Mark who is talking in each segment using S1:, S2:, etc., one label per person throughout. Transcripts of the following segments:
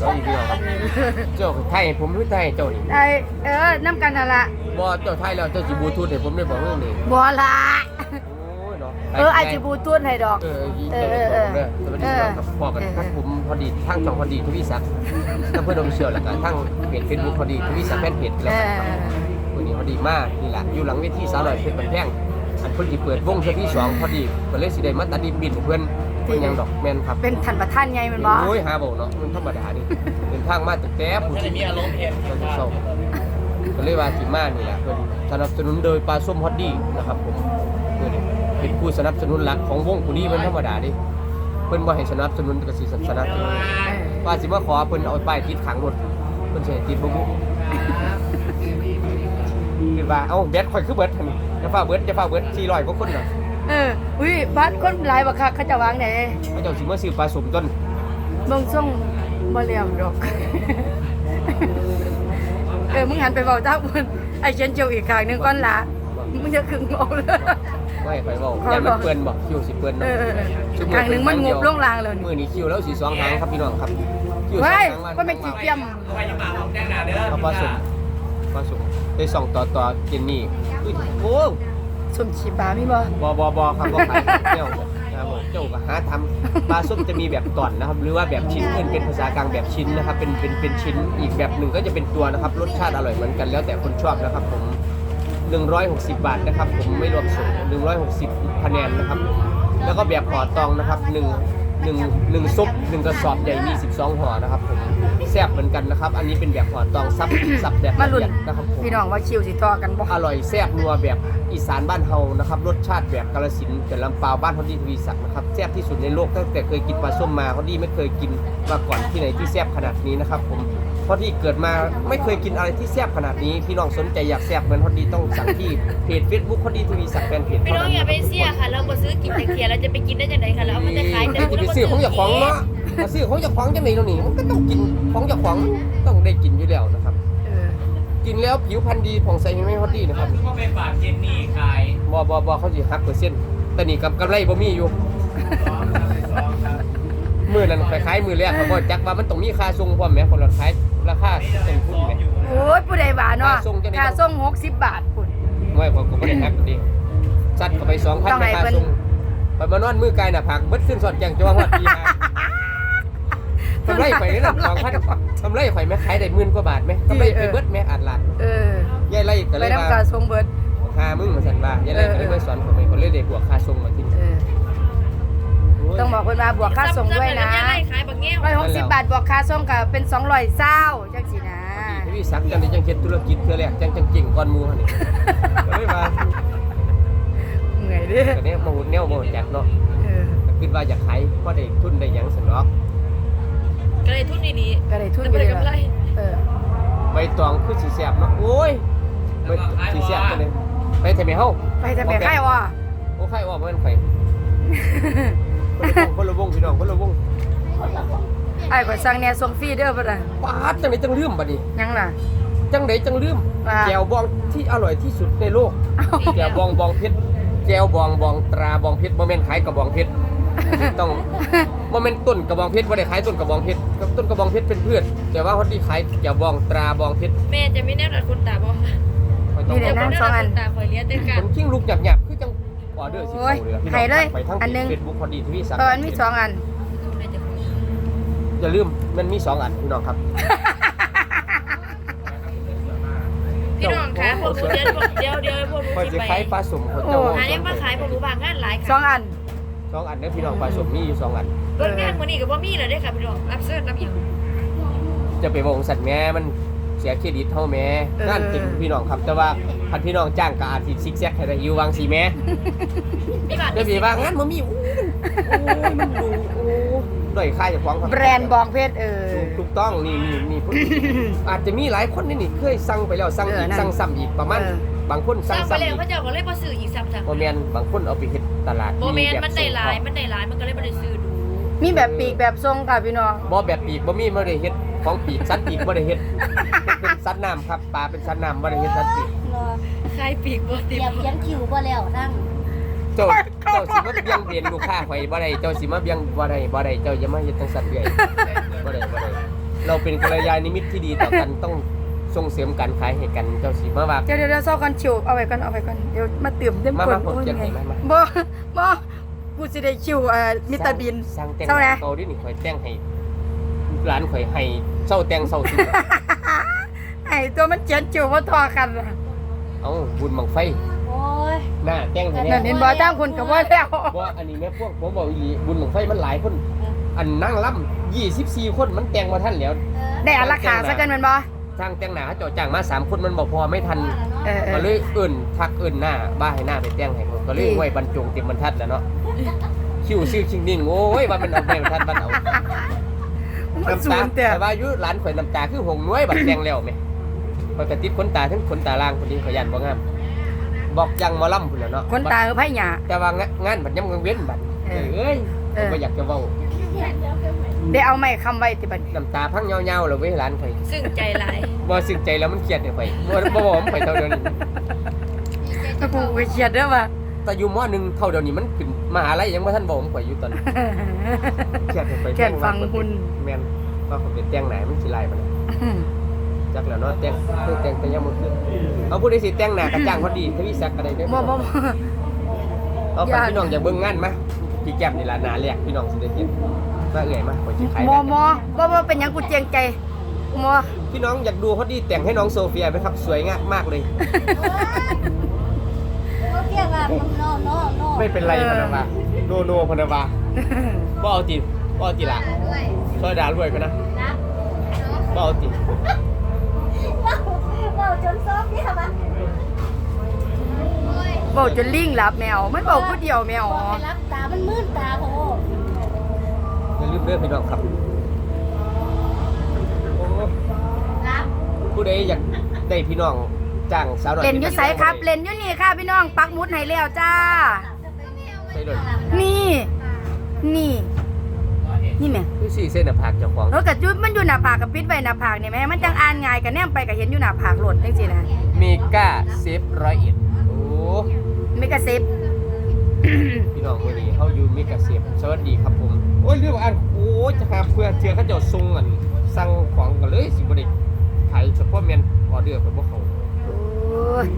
S1: สวัสดีพี่น้องครับเจ้าไทยผมรู้ไทยเจ้านี่
S2: ได้น้ำกันนั่นละ
S1: บ่เจ้าไทยแล้วเจ้าสิบลูทูธให้ผมได้บอกเรื่องนี้
S2: บัวละ
S1: โอ้ยเนาะ
S2: ไอจิบูทูนให้ดอก
S1: เสวัสดีครับพอกันทั้งผมพอดีทั้งช่องพอดีทวีศักดิ์ทั้งเพื่อนออฟฟิเชียลแล้วก็ทั้งเพจ Facebook พอดีทวีศักดิ์แฟนเพจแล้วครับวันนี้พอดีมากนี่แหละอยู่หลังเวทีสาวหน่อยเพชรบันแพงอันเพิ่นสิเปิดวงเทื่อที่2พอดีก็เลยสิได้มาตัดดินบินให้เพิ่นยังดอกแม่นครับ
S2: เป็นท่านประธานไงมันบ่
S1: โอ้ยหาบ่เนาะมันธรรมดานี่เป็นทางมาตั้งแต่ผู้ที่มีอารมณ์เฮ็ดก็เลยว่าสิมานี่แหละเพิ่นสนับสนุนโดยปลาส้มฮอตดี้นะครับผมเพิ่นเป็นผู้สนับสนุนหลักของวงผู้นี้มันธรรมดาดิเพิ่นบ่ให้สนับสนุนก็สิสนับสนุนว่าสิมาขอเพิ่นเอาป้ายติดขังรถเพิ่นสิให้ติดบ่บุคือว่าเอ้าแบตข่อยคือเบิดหั่นจะฟ้าเบิด400กว่าคนน่ะ
S2: อุ้ยบ้านคนหลายบักคักเขาจะวางไหน
S1: เขาเจ้าสิมาซื้อปลาส้มต้น
S2: เบิ่งส่งบ่เลี้ยงดอกมึงหันไปเว้าจ้าเพิ่นไอ้เชนเจียวอีกข้างนึงก่อนล่ะมึงจะขึงเอาเลย
S1: ไม่ไปเว้าอย่ามันเปื้อนบ่คิวสิเปื้อนเนาะ
S2: ข้างนึงมันงบลงลางแล้ว
S1: มื้อนี้คิวแล้วสิ2หางครับพี่น้องครับคิว
S2: เฮ้ย
S1: 2หาง
S2: ก็ไม่กี่เกียม
S1: ครับปลาส้มได้ส่งต่อเจนนี่โอ้
S2: สมชีปลามีบ่
S1: บครับบ่ขายเจ้าครับผมเจ้าก็หาทำปลาส้มจะมีแบบตอนนะครับหรือว่าแบบชิ้นเป็นภาษากลางแบบชิ้นนะครับเป็นชิ้นอีกแบบหนึ่งก็จะเป็นตัวนะครับรสชาติอร่อยเหมือนกันแล้วแต่คนชอบนะครับผม160 บาทนะครับผมไม่รวมส่ง160คะแนนนะครับแล้วก็แบบห่อตองนะครับ1ซุป1กระสอบใหญ่มี12ห่อนะครับผมแซ่บเหมือนกันนะครับอันนี้เป็นแบบห่อตองซับแบบ
S2: มา
S1: ละ
S2: ลุ้น
S1: เอียดนะครับผม
S2: พี่น้องว่าคิวสิต่อกันบ่
S1: อร่อยแซ่บนัวแบบอีสานบ้านเฮานะครับรสชาติแบบกาฬสินธุ์กับลำปาวบ้านฮอดดี้ทวีศักดิ์นะครับแซ่บที่สุดในโลกตั้งแต่เคยกินปลาส้มมาฮอดดี้ไม่เคยกินมาก่อนที่ไหนที่แซ่บขนาดนี้นะครับผมเพราะที่เกิดมาไม่เคยกินอะไรที่แซ่บขนาดนี้พี่น้องสนใจอยากแซ่บเหมือนฮอดดี้ต้องสั่งที่เพจ Facebook ฮอดดี้ทวีศักดิ์แฟนเพจ
S3: พี่น้องอย่าไปเสียค่ะเราบ่ซื้อกินแต่เทียเราจะไปกินได้จังไดค่ะแล้วเอามันจะขาย
S1: จะไปซื้อของเจ้าของเนาะมาซื้อของเจ้าของจังไหนเนาะนี่มันก็ต้องกินของเจ้าของต้องได้กินอยู่แล้วนะครับกินแล้วผิวพรรณดีผ่องใสไม่ฮอดดี้นะครับ
S4: ก็ไปฝากเจนนี่ขาย
S1: บ่เขาสิหักเปอร์เซ็นต์แต่นี่กำไรบ่มีอยู่ มือนั้นคล้ายๆมือแรกเขาบอกจักว่ามันต้องมีค่าส่งพร้อมแหมคนละขายราคาต้นทุนแหม
S2: โอ้ยผู้ใดว่าเนาะค่าส่ง60 บาทพุ่น
S1: ไม่ผมก็บ่ได้หักดิซัดเข้าไป2,000
S2: ต้องให้
S1: ค่า
S2: เพิ่น
S1: ส่งไปมานอนมือไกลหน้าผากเบิดขึ้นสอดแจงจังฮอดปี5ทำไรข่อยนี่น่ะ2,000ทำไรข่อยแม่ขายได้10,000 กว่าบาทแม่ทำไรไปเบิดแม่อัดละยายไล่ก็
S2: ไป
S1: เลย
S2: นำ
S1: ว่า
S2: ค่าส่งเบิด
S1: มึงมาสั่นว่ายายไล่ก็เลยมาสอนผมให้คนเลยได้บวกค่าส่งมาที่
S2: ต้องบอกเพิ่นว่าบวกค่าส่งด้วยนะ
S3: ขายบักแง้ว
S2: 160 บาทบวกค่าส่งก็เป็น220จังซี่นะ
S1: พี่สักจังได้จังเฮ็ดธุรกิจเทื่อแรกจังเก่งก่อนหมู่หั่นนี่ก็เลยว่า
S2: เหนื่อยเด้
S1: ก็เนี่ยมาหุ่นแนวมาจักเนาะก็คิดว่าอยากขายพอได้ทุนได้หยังซั่นเนาะ
S3: ก็เลยทุนดี
S2: ก็ได้
S3: ๆ
S2: ทุน
S3: แต่
S2: ไป
S3: บ่
S2: เล
S3: ได้
S2: ย
S3: กำไร
S1: ใบตองคือสิแซ่บเนาะโอ้ยใบสิแซ่บจังเลยไปทำไมเฮา
S2: ไปแต่แม่ไข่ว่ะ
S1: โอ้ไข่ว่าบ่แม่นไข่คนละวงพี่น้องคนละวง
S2: ไอ้ก็สั่งแหน่ส่งฟรีเด้อบ่ล่ะ
S1: ปาดจังได๋จังลืมบัดนี้
S2: ยังล่ะ
S1: จังได๋จังลืมแจ่วบองที่อร่อยที่สุดในโลกแจ่วบองเพชรแจ่วบองตราบองเพชรบ่แม่นขายกระบองเพชรต้องบ่แม่นต้นกระบองเพชรบ่ได้ขายต้นกระบองเพชรต้นกระบองเพชรเป็นพืชแต่ว่าเขาที่ขายแจ่วบองตราบองเพชร
S3: แม่จะมีแนวดัดคนตาบ่
S2: นี่เดี๋ยวนั่ง2อัน
S3: ตาคอยเลี้ยงแต่กั
S1: คน นขิ้งลูกหยับๆคือจังออเดอร์สิเข้าเลยไปทั้ง Facebook พอดีทวีศักดิ์
S2: มันมี2อัน
S1: อย่าลืมมันมี2อันพี่น้องครับ
S3: พี่น้องคะพวกหนูเดี๋ยวพวกหนู
S1: พอ
S3: สิ
S1: จะ
S3: ไป
S1: ขายปลาสมเขาเจ้า
S3: หาเนี่ยมาขายพวกหนูบางงานหลายค่ะ
S2: 2อัน
S1: 2อันเด้อพี่น้องปลาสมมีอยู่2อัน
S3: เบิ่งงานมื้อนี้ก็บ่มีแล้วเด้อค่ะพี่น้องรับเชิญรับหยัง
S1: จะไปบอกสัตว์แม่มันเสียเครดิตเท่าแม่งานจริงพี่น้องครับแต่ว่าพันพี่น้องจ้างก็อาจสิซิกแซกให้ได้อยู่วางสิแม่
S3: มีบาท
S1: เดี๋ยวพี่ว่างานบ่มีโอ้ยมันดูโอ้ด้อยค่าเจ้าของครับ
S2: แบรนด์บองเพชร
S1: ถูกต้องนี่อาจจะมีหลายคนนี่เคยสั่งไปแล้วสั่งอีกสั่งซ้ำอีกประมาณบางคน
S3: สั่
S1: สั่
S3: ง
S1: ง
S3: ไป
S1: ซ้ำ
S3: แล้
S1: อี
S3: ว
S1: ก
S3: เขาเจ้าก็เลยบ่ซื้ออีกซ้ำ
S1: บ่แม่นบางคนเอาไปเฮ็ดตลาด
S3: บ่แม่นมันได้หลายมันก็เลยบ่ได้ซื้อดู
S2: มีแบบปีกแบบทรงค่ะพี่น้อง
S1: บ่แบบปีกบ่มีบ่ได้เฮ็ดของปีกสัตว์ปีกบ่ได้เฮ็ดเป็นสัตว์น้ำครับปลาเป็นสัตว์น้ำบ่ได้เฮ็ดสัตว์ปีก
S3: ขายปีกบ่ติ
S5: เตรียมคิวบ่แล้วนั่ง
S1: เจ้าสิมาเบียงเบียนลูกค้าข่อยบ่ได้เจ้าสิมาเบียงบ่ได้เจ้าอย่ามาเฮ็ดจังซั่นเรื่อยบ่ได้เราเป็นกัลยาณมิตรที่ดีต่อกันต้องส่งเสริมการขายให้กันเจ้าสิมาว่า
S2: เดี๋ยวเศร้ากันชิวเอาไว้ก่อนเดี๋ยวมาเติมเต็ม
S1: มา
S2: คน
S1: ผม
S2: โอ้ย
S1: เขียน
S2: ไง
S1: ให้มา
S2: บ่กูสิได้ชิวมิสเตอร์บีน
S1: สร้างแต่ง
S2: เศร้าแล้ว
S1: เกาดินี่ข่อยแต่งให้ร้านข่อยให้เศร้าแต่งเศร้าสิ
S2: ไอ้ตัวมันเจียนชิวบ่ทอกันล่ะ
S1: เอ้าบุญบังไฟ
S3: โอ้ย
S1: หน้าแต่งให้
S2: นั่น
S1: แน่
S2: เห็นบ่ตามคนก็บ่แล้ว
S1: ว่าอันนี้แม่พวกผมบอกอีหลีบุญบังไฟมันหลายคนอันนั่งล่ำ24คนมันแต่งมาทันแล้ว
S2: ได้อันราคาซะกันแม่นบ่
S1: ช่างแต่งหน้าเขาเจาะจ้างมา3คนมันบ่พอไม่ทัน
S2: เอ
S1: ก็
S2: อ
S1: เลยเอิ่นทักเอิ่นหน้าบ้าให้หน้าไปแต่งให้ผมก็เลยไว้บรรจงเต็มบรรทัดแล้วเนาะคิวซิ่วชิงนิ่งโอ้ยว่ามันเอาไปบรรทัดมันเอา
S2: มัน
S1: น้ำ
S2: สู
S1: ตาง
S2: แต่
S1: แต่ว่ายุร้านข่อยน้ำตาคือหงน้อยบัดแต่งแล้วแม่ข่อยก็ติดขนตาทั้งขนตาล่างคนนี้ข่อยยันบ่งามบอกยังหมอลำพุ่นแล้วเนาะ
S2: คนตาคือไผหยา
S1: แต่ว่างานบัดยำกลางเว้นบัดเอ้ยผมบ่อยากจะเว้า
S2: ได้เอาไม้ค้ำไว้ติบัดนี้
S1: น้ำตาพังยาวๆแล้วเว้ยร้านข่อย
S3: ซึ่งใจหลาย
S1: บ่ซึ้งใจแล้วมันเครียดเนี่ยข่อยบ่บอกมันข่อยเท่าเดียวนี้
S2: กูก็เครียดเด้อว่า
S1: แต่อยู่มอ1เท่าเดียวนี้มันขึ้นมหาลัยยังบ่ทันบอกผมข่อยอยู่ตอนนี้ เครียดไป
S2: แค่ฟังหุ่น
S1: แม่นว่าเขาเป็นแต่งไหนมันสิลายปานนั้นจักแล้วเนาะแต่งคือแต่งแต่ยังบ่คือเอาผู้ใดสิแต่งหน้ากระจ้างพอดีทวีศักดิ์ก็ได้เด้อ
S2: บ่
S1: เอาฝากพี่น้องอย่าเบิ่งงานมาพี่แก้มนี่ล่ะหน้าแรกพี่น้องสิได้เห็นว่าเอื้อยมาข่อยสิขาย
S2: บ่เป็นหยังกูเจียงใจบ่
S1: พี่น้องอยากดูพอดีแต่งให้น้องโซเฟียไหมครับสวยงามมากเลย
S3: โอเคว่าโน
S1: ไม่เป็นไรพนาวาโนพนาวาบ่เอาติบ่เอาติล่ะซอยดารวยไปนะบ่เอาติ
S3: ว้าวจนซอฟเนี่ยปะ
S2: เว้าจนลิงหลับแมวมันเว้าผู้เดียวแมว
S3: ไปรับตามันมื่นตาโห
S1: อย่าลืมเด้อพี่น้องครับโอ้
S3: รับ
S1: ผู้ใดอยากได้พี่น้องจ้างสาวน้อย
S2: เล่นอยู่ไสครับเล่นอยู่นี่ค่ะพี่น้องปักหมุดให้แล้วจ้า
S1: ใช่เลย
S2: นี่แม่
S1: คือ4เส้นหน้าผากเจ้าของ
S2: แล้วก็จุดมันอยู่หน้าผากกับปิดไว้หน้าผากนี่แม่มันจังอ่านง่ายก็แนมไปก็เห็นอยู่หน้าผากโลดจังซี่นะ
S1: เมกาเซฟ101โอ้
S2: ไม่กระซิบ
S1: พี่น้องมื้อนี้เฮาอยู่เมกาเซฟสวัสดีครับผมโอ้ยเรื่องอันโอ้ยจะหาเพื่อเทื่อเขาเจ้าส่งอันสั่งของกันเลยสิบ่ได้ขายเฉพาะแม่นออเดอร์ไปบ่เข้า
S2: โอ้ย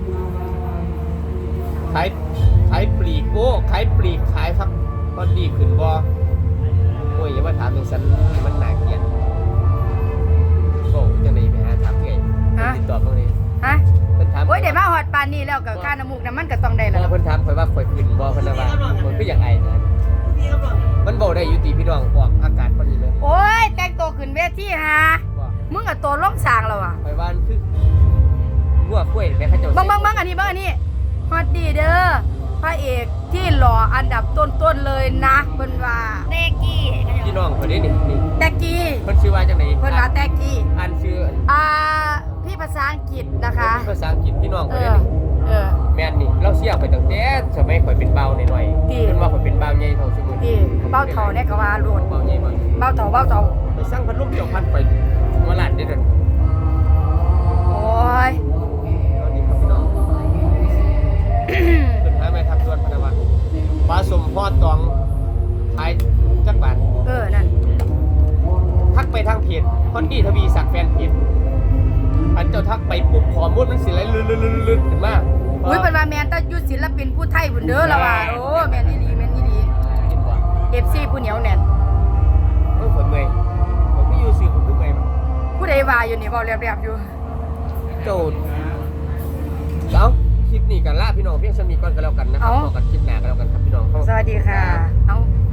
S1: ขายปลีกโอ้ขายปลีกขายครับพอดีขึ้นบ่โอ้ยอย่ามาถามจังซั่นมันน่าเกลียดโอ้จังได๋ไปหาถามเอ้ยติดต่อบ่ได้
S2: ฮะ
S1: เพิ่นถาม
S2: โอ้ยได้มาฮอดปานนี้แล้วก็ค่าน้ำมูกน้ำมันก็ต้องได้
S1: พ
S2: แล้ว
S1: อเพิ่นถามข่อยว่าข่อยขึ้นบ่เพิ่นว่ามันคืออยากไอนะมันบ่ได้อยู่ติพี่น้องออกอากาศพอดีเลย
S2: โอ้ยแต่งตัวขึ้นเวทีฮะ
S1: ว่า
S2: มึงก็ตัวล่องสร้างแล้วอ่ะ
S1: ข่อยว่ามันคืองัวกล้วยแม่เขาเจ้า
S2: เบังอันนี้ฮอตดีเด้อพระเอกที่หล่ออันดับต้นๆเลยนะเพิ่นว่า
S3: เด็กกี้
S1: พี่น้องคนนี้นี่
S2: แตกกี้
S1: เพิ่นชื่อว่าจังได๋
S2: เพิ่นว่าแตกกี้
S1: อ่านชื่อ
S2: พี่ภาษาอังกฤษนะคะ
S1: ภาษาอังกฤษพี่น้องค
S2: เอน
S1: นี้
S2: อ
S1: นี่
S2: เออ
S1: แม่นนี่เราเสียไปตั้งแต่สมัยข่อยเป็นเบาหน่อยๆ
S2: ที่
S1: เพิ่นว่าข่อยเป็นเบาใหญ่เท่าซุมื้อ
S2: ที่เบ้าเถาเนี่ยก็ว่าโลด
S1: เบาใหญ่มาก
S2: เบ้าเถา
S1: ไปสร้างพัดลมเจ้าพันไปมาลาดเด้อเด้อ
S2: โอ้ย
S1: ตอนนี้ครับพี่น้องเพิ่นหาแม่ทัพส่วนพนวัตปลาสมพอตองขายจักบาท
S2: นั่น
S1: ทักไปทางเพจคอนดี้ทวีศักดิ์แฟนเพจอันเจ้าทักไปปุ๊บข้อมูลมันสิไหลลื่นๆๆขึ้นมา
S2: อุ้ยเป็นว่าแมนต้องยุดศิลปินผู้ไทยบุญเด้อละว่าโอ้แมนนี่ดี
S1: คิดว่า
S2: FC ผู้เหนียวแน่น
S1: ผมเมื่อยผมก็อยู่สื่อผมคือเมื่อยมั้ง
S2: ผู้ใดว่าอยู่นี่เว้าแลบๆอยู่
S1: โจดเอาคลิปนี้กันล่าพี่น้องเพียงสมีก่อนกันแล้วกันนะครับพอกันคลิปหน้ากันแล้วกันครับพี่น้อง
S2: สวัสดีค่ะ เอา